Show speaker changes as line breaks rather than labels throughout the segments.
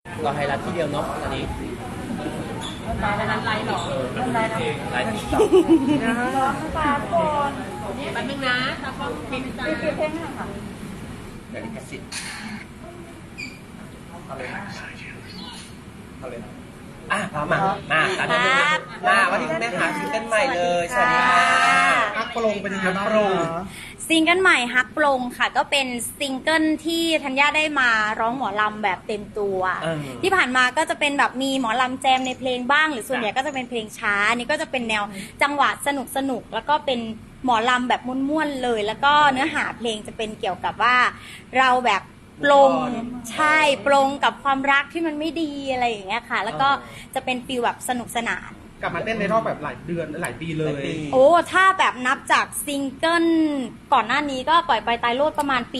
เราไฮไลท์ที่เดียวเนาะอันนี้
ร้านนั้นไลฟ์หรอไลฟ์
ไลท์ติ๊กต็อก
ปลาก่อนแป๊บนึงนะตากล้องปิดจ้าปิดเพลงค่ะ
เดี๋ยวลิขสิทธิ์เอาเลยนะเอาเลยนะพร้อมมาตามนี้มาวันนี้คุณแม่หาซิงเกิลใหม่เลยสวัสดีค่ะฮักโปรงเป็นยังไงบ้าง
ซิงเกิลใหม่ฮักปลงค่ะก็เป็นซิงเกิลที่ธัญญาได้มาร้องหมอลำแบบเต็มตัวที่ผ่านมาก็จะเป็นแบบมีหมอลำแจมในเพลงบ้างหรือส่วนใหญ่ก็จะเป็นเพลงช้านี่ก็จะเป็นแนวจังหวะสนุกแล้วก็เป็นหมอลำแบบม่วนๆเลยแล้วก็เนื้อหาเพลงจะเป็นเกี่ยวกับว่าเราแบบปลงใช่ปลงกับความรักที่มันไม่ดีอะไรอย่างเงี้ยค่ะแล้วก็จะเป็นฟีลแบบสนุกสนาน
กลับมาเต้นในรอบแบบหลายเดือนหลายปีเลย
โอ้ถ้าแบบนับจากซิงเกิลก่อนหน้านี้ก็ปล่อยไปตายโลดประมาณปี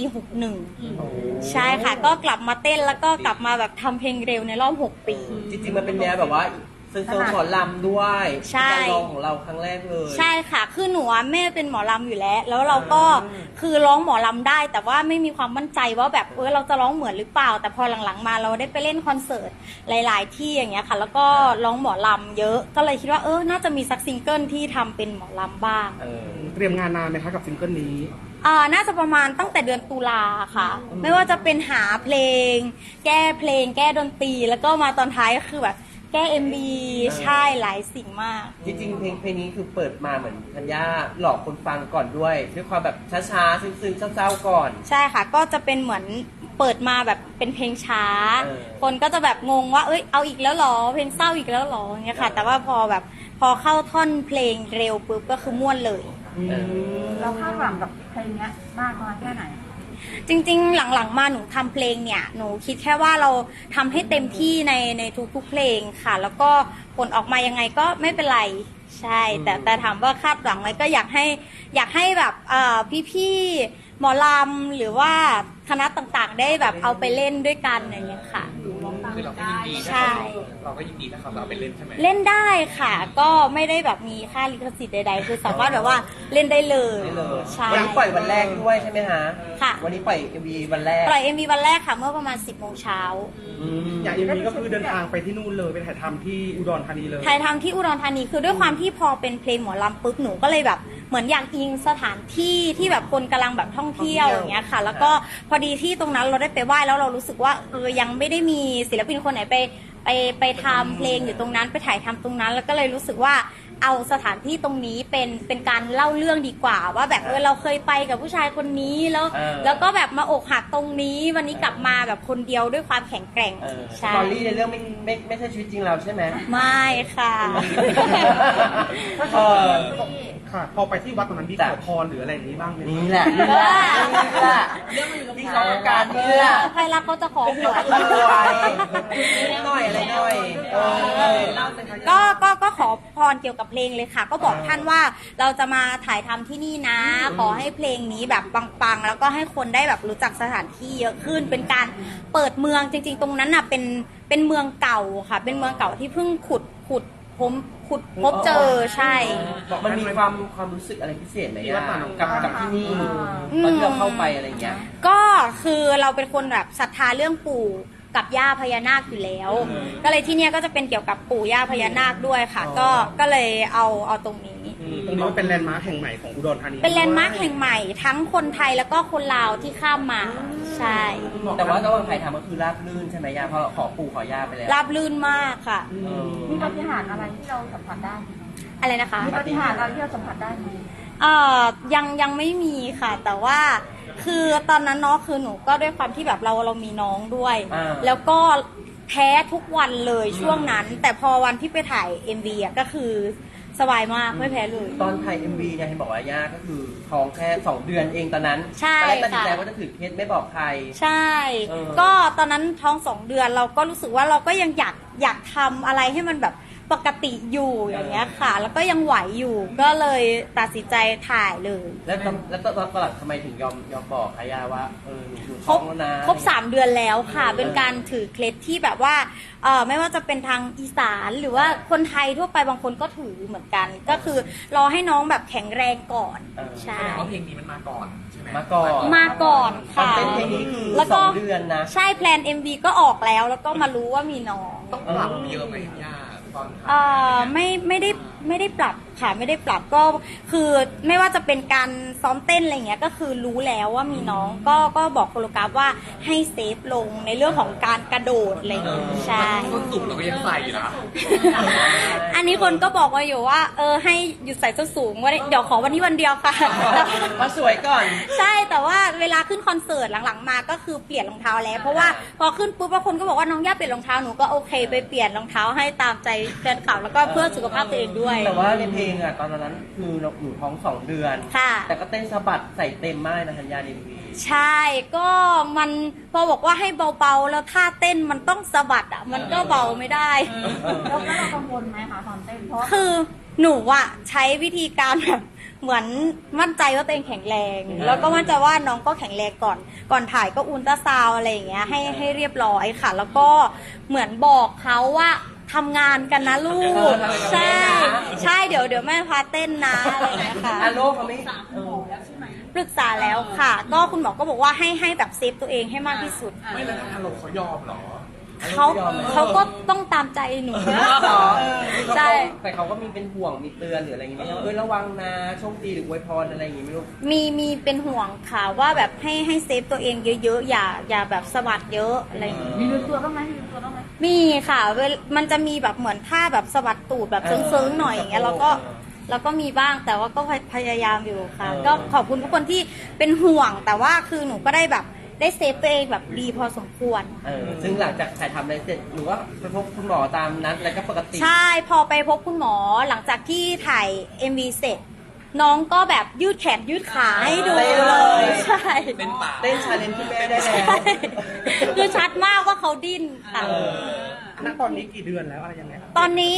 61ใช่ค่ะก็กลับมาเต้นแล้วก็กลับมาแบบทำเพลงเร็วในรอบ6 ปี
จริงๆมันเป็นแนวแบบว่าโซนหมอลำด้วย
ใช่
การร้องของเราครั้งแรกเลย
ใช่ค่ะคือหนูแม่เป็นหมอลำอยู่แล้วเราก็คือร้องหมอลำได้แต่ว่าไม่มีความมั่นใจว่าแบบเราจะร้องเหมือนหรือเปล่าแต่พอหลังๆมาเราได้ไปเล่นคอนเสิร์ตหลายๆที่อย่างเงี้ยค่ะแล้วก็ร้องหมอลำเยอะก็เลยคิดว่าน่าจะมีสักซิงเกิลที่ทำเป็นหมอลำบ้าง
เตรียมงานนานไหมคะกับซิงเกิลนี้
น่าจะประมาณตั้งแต่เดือนตุลาค่ะไม่ว่าจะเป็นหาเพลงแก้เพลงแก้ดนตรีแล้วก็มาตอนท้ายก็คือแบบแก้ MV ใช่หลายสิ่งมาก
จริงๆเพลงนี้คือเปิดมาเหมือนธัญญาหลอกคนฟังก่อนด้วยความแบบช้าๆซึ้งๆเศร้าๆก่อน
ใช่ค่ะก็จะเป็นเหมือนเปิดมาแบบเป็นเพลงช้าคนก็จะแบบงงว่าเอาอีกแล้วหรอเพลงเศร้าอีกแล้วหรออย่างเงี้ยค่ะแต่ว่าพอเข้าท่อนเพลงเร็วปุ๊บก็คือม่วนเลย
เราคาดหวังกับเพลงนี้มากน้อยแค่ไหน
จริงๆหลังๆมาหนูทำเพลงเนี่ยหนูคิดแค่ว่าเราทำให้เต็มที่ในทุกๆเพลงค่ะแล้วก็ผลออกมายังไงก็ไม่เป็นไรใช่แต่ถามว่าคาดหวังไหมก็อยากให้แบบพี่ๆหมอลำหรือว่าคณะต่างๆได้แบบเอาไปเล่นด้วยกันอย่างเงี้ยค่ะ
คือเราก็ยินดี
ใช่
เราก็ยินดีถ้าเขาเอาไปเล่นใช่ไหม
เล่นได้ค่ะก็ไม่ได้แบบมีค่าลิขสิทธิ์ใดๆคือสามารถแบบว่าเล่นได้เลย
ใช่วันนี้ปล่อยวันแรกด้วยใช่ไหมฮะ
ค่ะ
วันนี้ปล่อย MV วันแรก
ปล่อย MV วันแรกค่ะเมื่อประมาณ 10 โมงเช้า
อย่าง MV ก็คือเดินทางไปที่นู่นเลยไปถ่ายทำที่อุดรธานีเลย
ถ่ายทำที่อุดรธานีคือด้วยความที่พอเป็นเพลงหมอลำปุ๊บหนูก็เลยแบบเหมือนอยากอิงสถานที่ที่แบบคนกำลังแบบท่องเที่ยวอย่างเงี้ยค่ะแล้วก็พอดีที่ตรงนั้นเราได้ไปไหว้แล้วเรารู้สึกว่ายังไม่ได้มีศิลปินคนไหนไปทำเพลงอยู่ตรงนั้นไปถ่ายทำตรงนั้นแล้วก็เลยรู้สึกว่าเอาสถานที่ตรงนี้เป็นการเล่าเรื่องดีกว่าว่าแบบเราเคยไปกับผู้ชายคนนี้แล้วก็แบบมาอกหักตรงนี้วันนี้กลับมาแบบคนเดียวด้วยความแข็งแกร่ง
ใช่สตอรี่ในเรื่องไม่ใช่ชีวิตจริงเราใช่ไหม
ไม่ค่ะ
ค่ะพอไปที่วัดตรงนั้นมีขอพรหรืออะไรอย่างนี้บ้างไหม
นี่แหละที่เขาการนี่แหละ
ใครรักเขาจะขอหวย
หน่อยอะไรหน่อย
ก็ขอพรเกี่ยวกับเพลงเลยค่ะก็บอกท่านว่าเราจะมาถ่ายทำที่นี่นะขอให้เพลงนี้แบบปังๆแล้วก็ให้คนได้แบบรู้จักสถานที่เยอะขึ้นเป็นการเปิดเมืองจริงๆตรงนั้นน่ะเป็นเมืองเก่าค่ะเป็นเมืองเก่าที่เพิ่งขุดพบเจอใช่
มันมีความรู้สึกอะไรพิเศษไหมกับที่นี่ตอนที่เราเข้าไปอะไรเงี้ย
ก็คือเราเป็นคนแบบศรัทธาเรื่องปู่กับย่าพญานาคอยู่แล้วก็เลยที่เนี้ยก็จะเป็นเกี่ยวกับปู่ย่าพญานาคด้วยค่ะก็เลยเอาตรงนี้
ตรงนี้เป็นแลนด์มาร์คแห่งใหม่ของอุดรธานี
เป็นแลนด์มาร์คแห่งใหม่ทั้งคนไทยแล้วก็คนลาวที่ข้ามมาใช่
แต่ว่าระหว่างถ่ายทำก็คือราบลื่นใช่ไหมย่าเพราะขอปู่ขอย่าไปแล้ว
ราบลื่นมากค่ะ
มีปาฏิหาริย์อะไรที่เราสัมผัสได้
อะไรนะคะ
มีปาฏิหาริย์อะไรที่เราสัมผัสได้ไหม
ยังไม่มีค่ะแต่ว่าคือตอนนั้นเนาะคือหนูก็ด้วยความที่แบบเรามีน้องด้วยแล้วก็แพ้ทุกวันเลยช่วงนั้นแต่พอวันที่ไปถ่าย MV อ่ะก็คือสบายมากไม่แพ้เลย
ตอนถ่าย MV เนี่ยเห็นบอกว่าย่าก็คือท้องแค่2 เดือนเองตอนนั้น
ใช่
ค่ะตัดสินใจว่าจะถือเคสไม่บอกใคร
ใช่ก็ตอนนั้นท้อง2 เดือนเราก็รู้สึกว่าเราก็ยังอยากทำอะไรให้มันแบบปกติอยู่อย่างเงี้ยค่ะ แล้วก็ยังไหวอยู่ก็เลยตัดสินใจถ่ายเลย
แล้วตอนหลังทำไมถึงยอมบอกอาย่าว่าหนู
คร
ท้อบ งแล้วนะ
ครบ3 เดือนแล้วค่ะ เป็นการถือเคล็ดที่แบบว่าไม่ว่าจะเป็นทางอีสานหรือว่าคนไทยทั่วไปบางคนก็ถือเหมือนกัน ก็คือรอให้น้องแบบแข็งแรงก่อนใช่
เพราะเพลงนี้มันมาก่อนใช่ไหม
มาก่อน
มาก่อนค่ะ
เป็นเพลงนี้คือ
แล้วก็
2 เดือนนะ
ใช่แพลน MV ก็ออกแล้วแล้วก็มารู้ว่ามีน้อง
ต้องปรับเยอะไหมย่าตอน
ไม่ได้ปรับค่ะไม่ได้ปรับก็คือไม่ว่าจะเป็นการซ้อมเต้นอะไรเงี้ยก็คือรู้แล้วว่ามีน้องก็บอกโคโรกราฟว่าให้เซฟลงในเรื่องของการกระโดดอะไรเงี้ยใช่
ส้นสูงเราก็ยังใส่อยู่นะ
อันนี้คนก็บอกมาอยู่ว่าให้หยุดใส่ส้นสูงว่าเดี๋ยวขอวันนี้วันเดียวค่ะ
มาสวยก่อน
ใช่แต่ว่าเวลาขึ้นคอนเสิร์ตหลังๆมาก็คือเปลี่ยนรองเท้าแล้วเพราะว่าพอขึ้นปุ๊บบางคนก็บอกว่าน้องย่าเปลี่ยนรองเท้าหนูก็โอเคไปเปลี่ยนรองเท้าให้ตามใจแฟนคลับแล้วก็เพื่อสุขภาพตัวเองด้วย
แต่ว่าในเพลงอ่ะตอนนั้นคือหนูท้อง2 เดือน
ค่ะ
แต่ก็เต้นสะบัดใส่เต็มมากนะธัญญาในวี
ใช่ก็มันพอบอกว่าให้เบาๆแล้วท่าเต้นมันต้องสะบัดอ่ะมันก็เบาไม่ได้
แล้วเรากังวลไหมคะตอนเต้นเพราะ
คือหนูอะใช้วิธีการแบบเหมือนมั่นใจว่าตัวเองแข็งแรง แล้วก็มั่นใจว่าน้องก็แข็งแรงก่อนถ่ายก็อุลตราซาวด์อะไรอย่างเงี้ยให้เรียบร้อยค่ะ แล้วก็เหมือนบอกเขาว่าทำงานกันนะลูกใช่เดี๋ยวแม่พาเต้นนะอะไรอย่างเงี้ยค่ะ
อาโลเขาไม่
ปรึกษาแล้วค่ะ ก็คุณหมอก็บอกว่าให้แบบเซฟตัวเองให้มากที่สุด
ไม่แล้วทางเราเขายอมเหรอ
เขาก็ต้องตามใจหนู
หรอ
ใช่
แต่เขาก็มีเป็นห่วงมีเตือนหรืออะไรอย่างงี้ไหมว่าระวังนะโชคดีหรืออวยพรอะไรอย่างงี้ไม่รู้
มีเป็นห่วงค่ะว่าแบบให้เซฟตัวเองเยอะๆอย่าแบบสะบัดเยอะอะไรอย่างงี้
มีลืมตัวบ้างไหมมีลืมตัวบ้างไหม
มีค่ะมันจะมีแบบเหมือนท่าแบบสะบัดตูดแบบเซิงๆหน่อยอย่างเงี้ยแล้วก็มีบ้างแต่ว่าก็พยายามอยู่ค่ะ ก็ขอบคุณทุกคนที่เป็นห่วง แต่ว่าคือหนูก็ได้แบบได้เซฟตัวเองแบบดีพอสมควร
ซึ่งหลังจากถ่ายทำอะไรเสร็จหรือว่าไปพบคุณหมอตามนัดอะไรก็ปกติ
ใช่พอไปพบคุณหมอหลังจากที่ถ่าย MV เสร็จ น้องก็แบบยืดแขนยืดขาให้ดูเลยใช่
เป็นป่า
เต้นชาเลนจ์ที่แม่ได้แล้ว
คือชัดมากว่าเขาดิ้นค่ะ
ณตอนนี้กี่เดือนแล้วอะไรยังไงครับ
ตอนนี้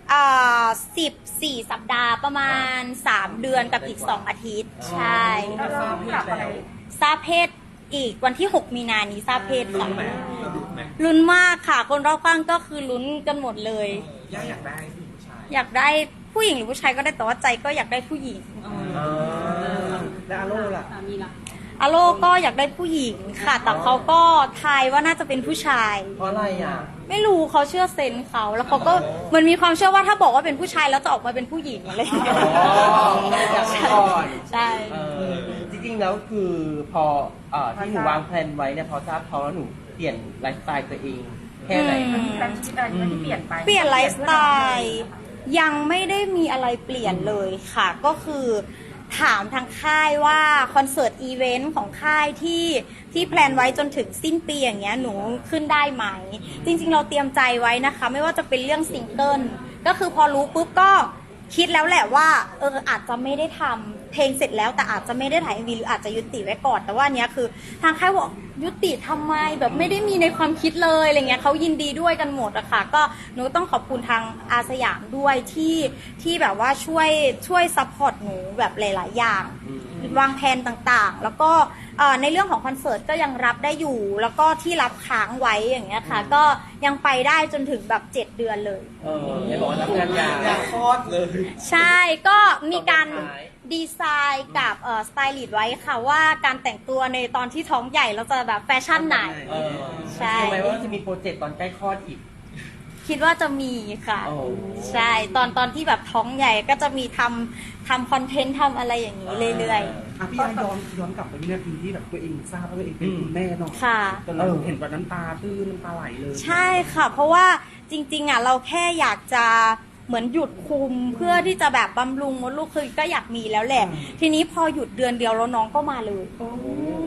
14 สัปดาห์ประมาณ 3 เดือนกับอีก 2 อาทิตย์ ใช่
เราต้องปรับอะไร
ทราบเพศอีกวันที่ 6 มีนานี้ทราบเพศค่ะ
เราดูไหม
ลุ้นมากค่ะ คนรอบข้างก็คือลุ้นกันหมดเลย
ย่าอยากได้ผู้หญิงผู้ชาย
อยากได้ผู้หญิงหรือผู้ชายก็ได้แต่ว่าใจก็อยากได้ผู้หญิง
และอาโลล่ะ
สามีล่ะ
อโลก็อยากได้ผู้หญิงค่ะ แต่เขาก็ทายว่าน่าจะเป็นผู้ชาย
เพราะอะไรอ่ะ
ไม่รู้เขาเชื่อเซนส์เขาแล้วเขาก็เหมันมีความเชื่อว่าถ้าบอกว่าเป็นผู้ชายแล้วจะออกมาเป็นผู้หญิงอะไรอย่างเงี้ย
อยากไปก่อน
ใช่
จริงๆแล้วคือพอที่หนูวางแผนไว้เนี่ยพอทราบท้องแล้วหนูเปลี่ยนไลฟ์สไตล์ตัวเองแค่ไหน
มันมีการชีวิตอะไรที่เปลี่ยนไป
เปลี่ยนไลฟ์สไตล์ยังไม่ได้มีอะไรเปลี่ยนเลยค่ะ ก็คือถามทางค่ายว่าคอนเสิร์ตอีเวนต์ของค่ายที่แพลนไว้จนถึงสิ้นปีอย่างเงี้ยหนูขึ้นได้ไหม จริงๆเราเตรียมใจไว้นะคะ ไม่ว่าจะเป็นเรื่องซิงเกิลก็คือพอรู้ปุ๊บก็คิดแล้วแหละว่าอาจจะไม่ได้ทำเพลงเสร็จแล้วแต่อาจจะไม่ได้ถ่าย MV หรืออาจจะยุติไว้ก่อนแต่ว่าอันเนี้ยคือทางค่ายบอกยุติทำไมแบบไม่ได้มีในความคิดเลยอะไรเงี้ยเขายินดีด้วยกันหมดอะค่ะก็หนูต้องขอบคุณทางอาสยามด้วยที่แบบว่าช่วยซัพพอร์ตหนูแบบหลายๆอย่างวางแผนต่างๆ แล้วก็ในเรื่องของคอนเสิร์ตก็ยังรับได้อยู่ แล้วก็ที่รับค้างไว้อย่างเงี้ยค่ะก็ยังไปได้จนถึงแบบ7 เดือนเลย
ไม่บอกว่ารับงานยากคลอดเลย
ใช่ก็มีการ
ตอนสุดท้าย
ดีไซน์กับสไตลิสต์ไว้ค่ะว่าการแต่งตัวในตอนที่ท้องใหญ่เราจะแบบแฟชั่นไหน ใช่
ใช่ไหมว่าจะมีโปรเจกต์ตอนใกล้คลอดอีก
คิดว่าจะมีค่ะ
โอ้
ใช่ตอนที่แบบท้องใหญ่ก็จะมีทำคอนเทนต์ทำอะไรอย่างนี้เรื่อย
อ่ะพี่ย้อนกลับไปวินาทีที่แบบตัวเองทราบว่าตัวเองเป็นคุณแม่เนาะ
ๆ ค่ะ
จนเราเห็นแบบน้ำตาตื้นน้ำตาไหลเลย
ใช่ค่ะ เพราะว่าจริงๆอ่ะเราแค่อยากจะเหมือนหยุดคุมเพื่อที่จะแบบบำรุงมดลูกคือก็อยากมีแล้วแหละ ทีนี้พอหยุดเดือนเดียวแล้วน้องก็มาเลย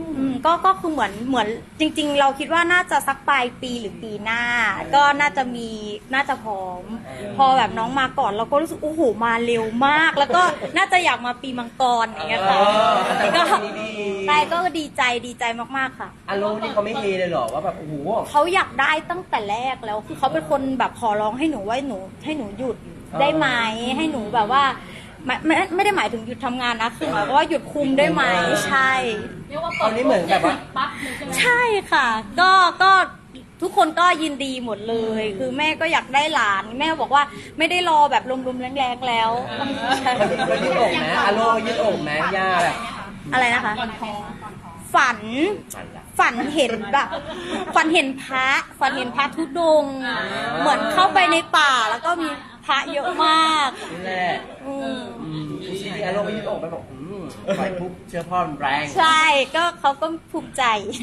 ก็คือเหมือนจริงๆเราคิดว่าน่าจะสักปลายปีหรือปีหน้า ก็น่าจะพร้อม พอแบบน้องมาก่อนเราก็รู้สึกโอ้โหมาเร็วมาก แล้วก็น่าจะอยากมาปีมังกรอย่างเงี้ยค่ะก็ใช่ก็ดีใจมากๆค่ะ
อารมณ์นี่เขาไม่เฮเลยเหรอว่าแบบโอ้โห
เขาอยากได้ตั้งแต่แรกแล้วคือเขาเป็นคนแบบขอร้องให้หนูว่าให้หนูหยุดได้ไหมให้หนูแบบว่าไม่ได้หมายถึงหยุดทำงานนะคือหมายความว่าหยุดคุมได้ไหมใช่
เรียกว่า
ตอนนี้เหมือนแบบว่า
ปั๊บเลยใช่ไหม
ใช่ค่ะก็ทุกคนก็ยินดีหมดเลย คือแม่ก็อยากได้หลานแม่บอกว่าไม่ได้รอแบบลมๆแรงๆแล้วใช่
มันยืดอกไหมอารมณ์ยืดอกไหมย่าแบบ
อะไรนะคะ ฝันเห็นแบบฝันเห็นพระธุดงค์เหมือนเข้าไปในป่าแล้วก็มีพระเยอะมาก
นี่แหละ จริงๆอารมณ์ยืดอกไปบอกไฟปุ๊บเชื้อพ่อมันแรง
ใช่ก็เขาก็ภูมิใจ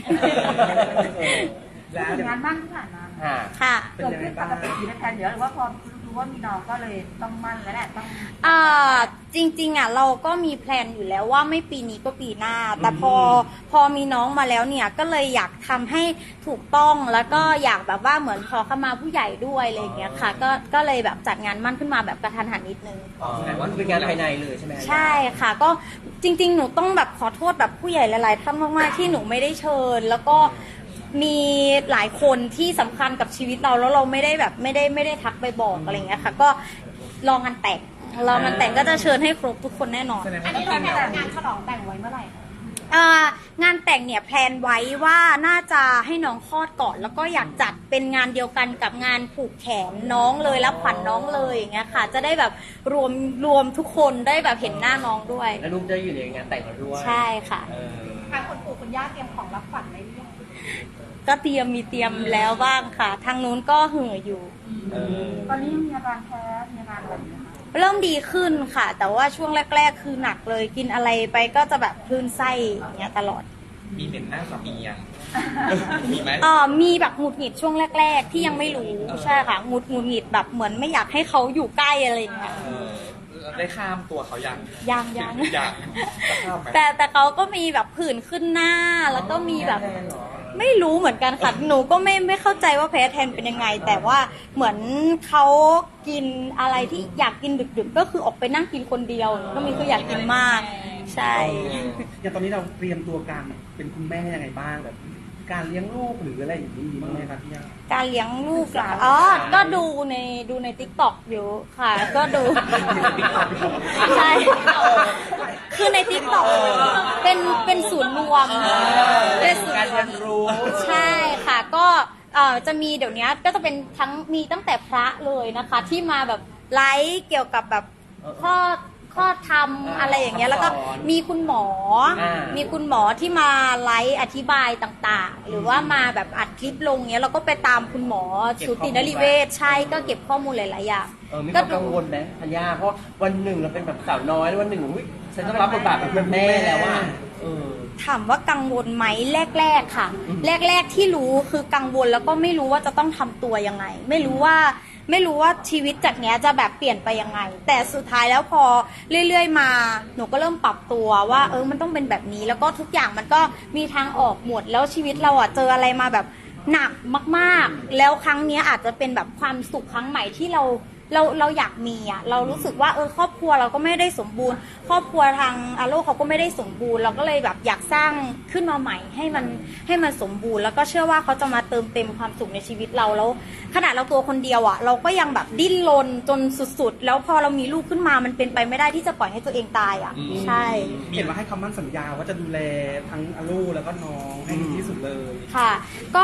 แล้ว
งานมั่นที่ผ่านมา
ค่ะ
เป็น
เกิด
ยังไง
ขึ้นป
บ้าง
กติในแผนเดี๋ยวหรือว่าพอรู้ว่ามีน้องก็เลยต้องมั่นแล้วแหละต้อง
จริงๆเราก็มีแพลนอยู่แล้วว่าไม่ปีนี้ก็ปีหน้า แต่พอมีน้องมาแล้วเนี่ยก็เลยอยากทำให้ถูกต้องแล้วก็อยากแบบว่าเหมือนขอขมาผู้ใหญ่ด้วยอะไรอย่างเงี้ยค่ะก็เลยแบบจัดงานมั่นขึ้นมาแบบกระทันหันนิดนึง
แต่ว่าเป็นงานภายในเลยใช่ไหม
ใช่ค่ะก็จริงๆหนูต้องแบบขอโทษแบบผู้ใหญ่หลายๆท่านมากๆที่หนูไม่ได้เชิญ แล้วก็มีหลายคนที่สำคัญกับชีวิตเราแล้วเราไม่ได้แบบไม่ได้ทักไปบอกอะไรอย่างเงี้ยค่ะก็รองานแต่งก็จะเชิญให้ครบทุกคนแน่นอน
อันนี้เราแต่งงานฉลองแต่งไว้เมื่อไหร่
งานแต่งเนี่ยแพลนไว้ว่าน่าจะให้น้องคลอดก่อน แล้วก็อยากจัดเป็นงานเดียวกันกับงานผูกแขนน้องเลยรับขวัญน้องเลยอย่างเงี้ยค่ะ จะได้แบบรวมทุกคนได้แบบเห็นหน้าน้องด้วย
แล้วลูกจะอยู่ในงานแต่งเราด้วย
ใช่ค่ะ
ทางคุณปู่คุณย่าเตรียมของรับขวัญไว้หรือยัง
ก็เตรียมแล้วบ้างค่ะ ทางนู้นก็เห่ออยู่
ตอนนี้มีอาการแพ้มีอาการอะไรอยู่คะ
เริ่มดีขึ้นค่ะ แต่ว่าช่วงแรก ๆ คือหนักเลยกินอะไรไปก็จะแบบคลื่นไส้อย่างเงี้ยตลอด
มีเหม็นหน้าสามียัง มีไหม
มีแบบหงุดหงิดช่วงแรก ๆ ที่ยังไม่รู้ใช่ค่ะหงุดหงิดแบบเหมือนไม่อยากให้เขาอยู่ใกล้อะไรอย่างเงี้ย
ได้ข้ามตัวเขายัง
ยัง
ยังจะข้ามไหม
แต่เขาก็มีแบบผื่นขึ้นหน้าแล้วก็มีแบบไม่รู้เหมือนกันค่ะหนูก็ไม่เข้าใจว่าแพ้แทนเป็นยังไง แต่ว่าเหมือนเขากินอะไรที่อยากกินดึกๆก็คือออกไปนั่งกินคนเดียวก็มีคืออยากกินมากใช่
อย่างตอนนี้เราเตรียมตัวการเป็นคุณแม่ยังไงบ้างแบบการเลี้ยงลูกหรืออะไรอย่างนี้มีบ้างไหมครับพี่ย่า
การเลี้ยงลูกเหรอก็ดูใน TikTok อยู่ค่ะ ก็ดู ใช่ คือใน TikTok เป็นศูนย์รวมเป็นศูน
การ
ย์ร
เรี
วย ม
นรู้
ใช่ค่ะ ก็จะมีเดี๋ยวนี้ก็จะเป็นมีตั้งแต่พระเลยนะคะ ที่มาแบบไลฟ์เกี่ยวกับแบบข้อทำอะไรอย่างเงี้ยแล้วก็มีคุณหมอที่มาไลฟ์อธิบายต่างๆ หรือว่ามาแบบอัดคลิปลงเงี้ยเราก็ไปตามคุณหมอสูตินรีเวชใช่ก็เก็บข้อมูลหลายๆอย่าง
มีความกังวลไหมธัญญาเพราะวันหนึ่งเราเป็นแบบสาวน้อยแล้ววันหนึ่งอุ๊ยฉันต้องรับบทบาทเป็นแม่แล้วว่า
ถามว่ากังวลไหมแรกๆค่ะ แรกๆที่รู้คือกังวลแล้วก็ไม่รู้ว่าจะต้องทำตัวยังไง ไม่รู้ว่าชีวิตจากเนี้ยจะแบบเปลี่ยนไปยังไง แต่สุดท้ายแล้วพอเรื่อยๆมาหนูก็เริ่มปรับตัวว่ามันต้องเป็นแบบนี้แล้วก็ทุกอย่างมันก็มีทางออกหมดแล้วชีวิตเราเจออะไรมาแบบหนักมากๆแล้วครั้งเนี้ยอาจจะเป็นแบบความสุขครั้งใหม่ที่เราอยากมีเรารู้สึกว่าครอบครัวเราก็ไม่ได้สมบูรณ์ ครอบครัวทางอาโลเขาก็ไม่ได้สมบูรณ์เราก็เลยแบบอยากสร้างขึ้นมาใหม่ให้มันสมบูรณ์แล้วก็เชื่อว่าเขาจะมาเติมเต็มความสุขในชีวิตเราแล้วขนาดเราตัวคนเดียวเราก็ยังแบบดิ้นรนจนสุดๆแล้วพอเรามีลูกขึ้นมามันเป็นไปไม่ได้ที่จะปล่อยให้ตัวเองตายใช่
เห็นว่าให้คำมั่นสัญญาว่าจะดูแลทั้งอาลูแล้วก็น้องให้ดีที่สุดเลย
ค่ะ ก็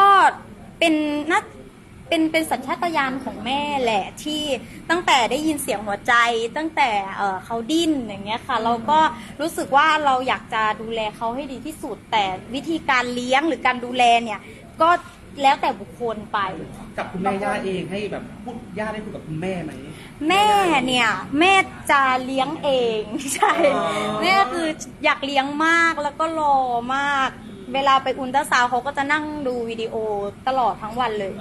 เป็นสัญชาตญาณของแม่แหละที่ตั้งแต่ได้ยินเสียงหัวใจตั้งแต่เขาดิ้นอย่างเงี้ยค่ะเราก็รู้สึกว่าเราอยากจะดูแลเขาให้ดีที่สุด แต่วิธีการเลี้ยงหรือการดูแลเนี่ยก็แล้วแต่บุคคลไป
กับคุณแม่ย่าเองให้แบบย่าได้พูดกับคุณแม่ไหม
แม่เนี่ยแม่จะเลี้ยงเอง ใช่แม่คืออยากเลี้ยงมากแล้วก็รอมาก เวลาไปอุลตราซาวด์เขาก็จะนั่งดูวิดีโอตลอดทั้งวันเลย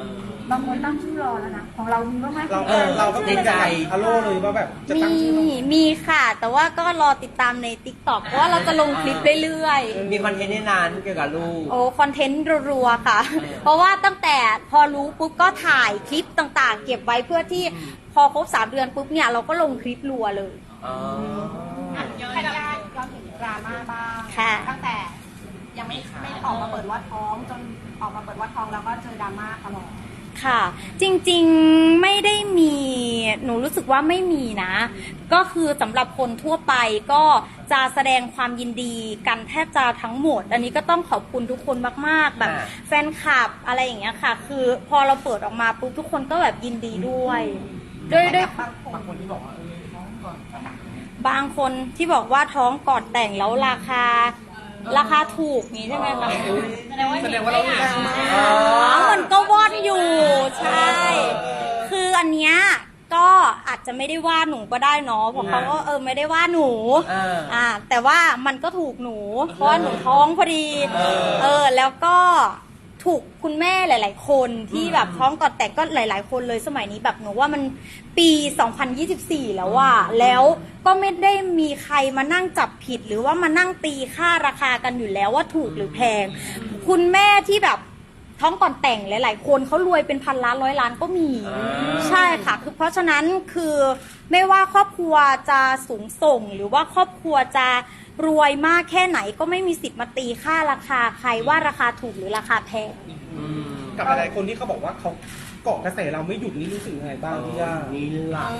บางคนตั้งชื่อรอแล้วนะของเรามีบ้างไหม
เราก็เป็นใจฮัลโหลเลยว่าแบบจะตั้งชื่อ
มีค่ะ แต่ว่าก็รอติดตามใน TikTok เพราะว่าเราจะลงคลิปเรื่อยๆ
มีคอนเทนต์ในนั้นเกี่ยวกับลูก
โอ้คอนเทนต์รัวๆค่ะ เพราะว่าตั้งแต่พอรู้ปุ๊บก็ถ่ายคลิปต่างๆ เก็บไว้เพื่อที่พอครบ3 เดือนปุ๊บเนี่ยเราก็ลงคลิปรัวเลย
อ๋อ
ย้อนถึงดราม่าบ้าง
ค่ะ
ตั้งแต่ยังไม่ออกมาเปิดว่าท้องจนออกมาเปิดว่าท้องแล้วก็เจอดราม่าตลอด
ค่ะ จริงๆไม่ได้มีหนูรู้สึกว่าไม่มีนะ ก็คือสำหรับคนทั่วไปก็จะแสดงความยินดีกันแทบจะทั้งหมด อันนี้ก็ต้องขอบคุณทุกคนมากๆแบบแฟนคลับอะไรอย่างเงี้ยค่ะ คือพอเราเปิดออกมาปุ๊บทุกคนก็แบบยินดีด้วยบางคนที่บอกว่าท้องก่อนบางคนที่บอกว่าท้องก่อนแต่งแล้วราคาถูกนี้ใช่ไหมคะแสดงว่าเราดังมากมันก็วอดอยู่ใช่ คืออันเนี้ยก็อาจจะไม่ได้ว่าหนูก็ได้เนาะเพราะเขาก็ไม่ได้ว่าหนูแต่ว่ามันก็ถูกหนูเพราะว่าหนูท้องพอดีแล้วก็ถูกคุณแม่หลาย ๆ คนที่แบบท้องก่อนแต่งก็หลาย ๆ คนเลยสมัยนี้แบบหนูว่ามันปี 2024 แล้วว่าแล้วก็ไม่ได้มีใครมานั่งจับผิดหรือว่ามานั่งตีค่าราคากันอยู่แล้วว่าถูกหรือแพงคุณแม่ที่แบบท้องก่อนแต่งหลาย ๆ คนเขารวยเป็นพันล้าน100 ล้านก็มีใช่ค่ะคือเพราะฉะนั้นคือไม่ว่าครอบครัวจะสูงส่งหรือว่าครอบครัวจะรวยมากแค่ไหนก็ไม่มีสิทธิ์มาตีค่าราคาใครว่าราคาถูกหรือราคาแพง
กับหลายคนที่เขาบอกว่าเขาเกาะกระแสเราไม่หยุดนี่รู้สึกยังไงบ้างพี่ย่า
นี่หลัก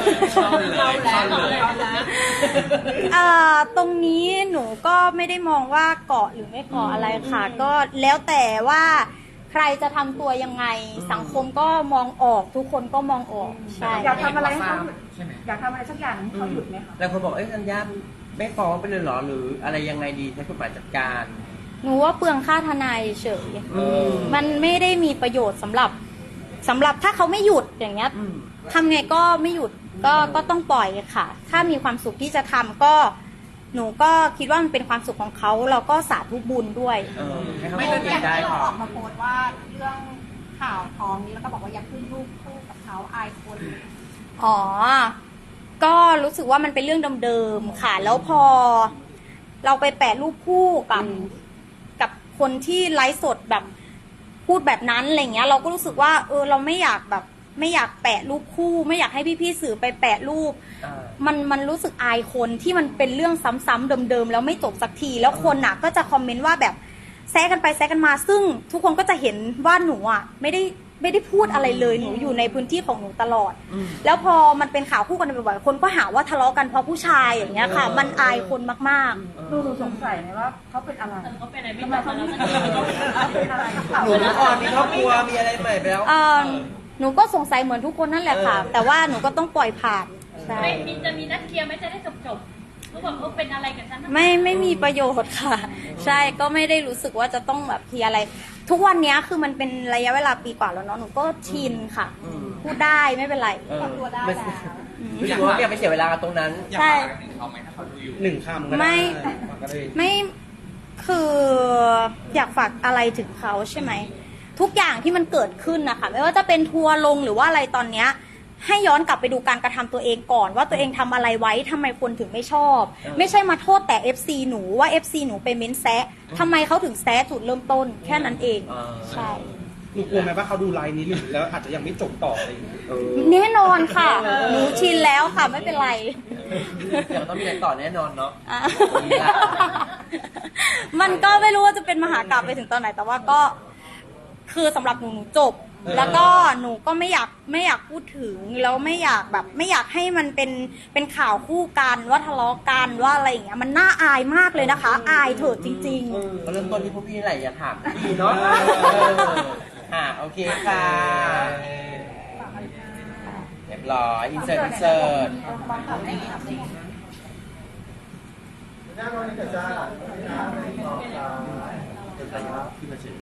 ตรงนี้หนูก็ไม่ได้มองว่าเกาะหรือไม่เกาะอะไรค่ะ ก็แล้วแต่ว่าใครจะทำตัวยังไงสังคมก็มองออกทุกคนก็มองออกใช่
อยากทำอะไรให้เขาหยุดอยากทำอะไรสักอย่างให้เขาหยุดไหมคะ
แล้วคนบอกธัญญาไม่ฟ้องไปเลยเหรอหรืออะไรยังไงดีใช้กฎหมายจัดการ
หนูว่าเปลืองค่าทนายเฉยมันไม่ได้มีประโยชน์สำหรับถ้าเขาไม่หยุดอย่างเงี้ยทำไงก็ไม่หยุดก็ต้องปล่อยค่ะ ถ้ามีความสุขที่จะทำก็หนูก็คิดว่ามันเป็นความสุขของเขาเราก็สาธุบุญด้วย
ให้เขา
ไม่
ไม่
ได้
ได้
ที่เรา
ค่ะ
ออกมาโพสต์ว่าเรื่องข่าวท้องนี้แล้วก็บอกว่าอยากขึ้นรูปคู่กับเขาอายคน
อ๋อ ก็รู้สึกว่ามันเป็นเรื่องเดิมๆค่ะ แล้วพอเราไปแปะรูปคู่กับคนที่ไลฟ์สดแบบพูดแบบนั้นอะไรเงี้ยเราก็รู้สึกว่าเราไม่อยากแปะรูปคู่ ไม่อยากให้พี่ๆสื่อไปแปะรูปมันรู้สึกอายคนที่มันเป็นเรื่องซ้ำๆเดิมๆแล้วไม่จบสักทีแล้วคนน่ะก็จะคอมเมนต์ว่าแบบแซะกันไปแซะกันมาซึ่งทุกคนก็จะเห็นว่าหนูอ่ะไม่ได้พูดอะไรเลยหนูอยู่ในพื้นที่ของหนูตลอดแล้วพอมันเป็นข่าวคู่กันบ่อยๆคนก็หาว่าทะเลาะกันเพราะผู้ชายอย่างเงี้ยค่ะมันอายคนมากๆ
หนูสงสัยไหมว่าเขาเป็นอะไรเขาเป็นอะไรไม่รู้เขาเป็นอะไร
หนูก่อนมีครอบครัวมีอะไรใหม่ไปแล้ว
หนูก็สงสัยเหมือนทุกคนนั่นแหละค่ะ แต่ว่าหนูก็ต้องปล่อยผ่านใช่
จะมีนัดเคลียร์ไหมจะได้จบเขาบอกเขาเป็นอะไรกับฉัน
ไม่มีประโยชน์ค่ะ ใช่ก็ไม่ได้รู้สึกว่าจะต้องแบบเคลียร์อะไร ทุกวันนี้คือมันเป็นระยะเวลาปีกว่าแล้วเนาะหนูก็ชินค่ะ พูดได้ไม่เป็นไร
ตัวได้แล้ว
รู้สึกว่าไม่อยากไปเสียเวลากับตรงนั้น
อยากฝากอะไรถึงเขาไหมถ้าเขาดูอยู่
1 คำก็ได้
ไม่คืออยากฝากอะไรถึงเขาใช่ไหมทุกอย่างที่มันเกิดขึ้นนะคะไม่ว่าจะเป็นทัวร์ลงหรือว่าอะไรตอนเนี้ยให้ย้อนกลับไปดูการกระทำตัวเองก่อนว่าตัวเองทำอะไรไว้ทำไมคนถึงไม่ชอบ ไม่ใช่มาโทษแต่ FC หนูว่า FC หนูไปเม้นแซะทำไมเขาถึงแซะจุดเริ่มต้นแค่นั้นเองใช่
หนูกลัวไหมว่าเขาดูไลน์นี้แล้วอาจจะยังไม่จบต่ออะไรอย่างเงี้ย
แน่นอนค่ะหนูชินแล้วค่ะไม่เป็นไร
เดี๋ยวต้องมีอะไรต่อแน่นอนเนาะ
มันก็ไม่รู้ว่าจะเป็นมหากาพย์ไปถึงตอนไหนแต่ว่าก็คือสำหรับหนูจบแล้วก็หนูก็ไม่อยากพูดถึงแล้วไม่อยากให้มันเป็นข่าวคู่กันว่าทะเลาะกันว่าอะไรอย่างเงี้ยมันน่าอายมากเลยนะคะ อายเถิดจริงๆ
ก็เริ่มต้นที่พวกพี่นี่แหละอย่าถามพี่เนาะโอเคค่ะเรียบร้อยอินเสิร์ต
หน้าน้องนี่เกิดจ้า